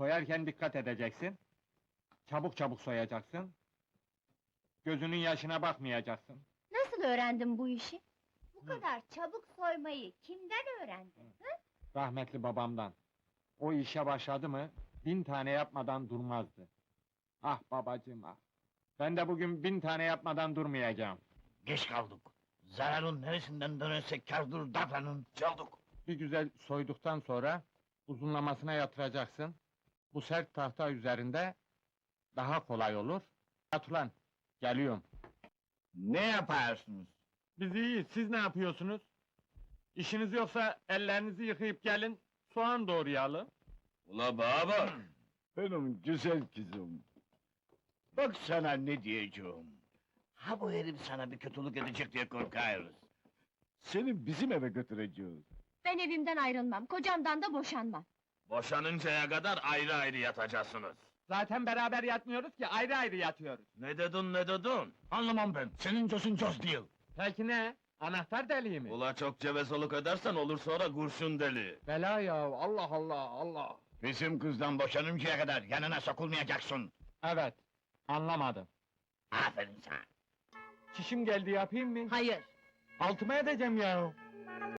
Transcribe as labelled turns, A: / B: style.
A: Soyarken dikkat edeceksin. Çabuk çabuk soyacaksın. Gözünün yaşına bakmayacaksın.
B: Nasıl öğrendin bu işi? Bu kadar çabuk soymayı kimden öğrendin?
A: Rahmetli babamdan. O işe başladı mı, 1000 tane yapmadan durmazdı. Ah babacığım ah! Ben de bugün 1000 tane yapmadan durmayacağım.
C: Geç kaldık. Zararın neresinden dönersek kârdır davranın. Çaldık.
A: Bir güzel soyduktan sonra, uzunlamasına yatıracaksın. Bu sert tahta üzerinde, daha kolay olur. Yat ulan, geliyorum.
C: Ne yaparsınız?
A: Biz iyiyiz, siz ne yapıyorsunuz? İşiniz yoksa ellerinizi yıkayıp gelin, soğan doğrayalım.
C: Ula baba! Benim güzel kızım. Bak sana ne diyeceğim. Ha bu herif sana bir kötülük edecek diye korkarız. Seni bizim eve götüreceğiz.
B: Ben evimden ayrılmam, kocamdan da boşanmam.
D: Boşanıncaya kadar ayrı ayrı yatacaksınız.
A: Zaten beraber yatmıyoruz ki, ayrı ayrı yatıyoruz.
D: Ne dedin ne dedin?
C: Anlamam ben, senin cosun cos değil.
A: Peki ne? Anahtar deliği mi?
D: Ula çok cevezoluk edersen olur sonra kurşun deli.
A: Bela ya, Allah Allah, Allah!
C: Bizim kızdan boşanıncaya kadar yanına sokulmayacaksın.
A: Evet, anlamadım.
C: Aferin sana.
A: Çişim geldi, yapayım mı?
B: Hayır.
A: Altıma edeceğim ya!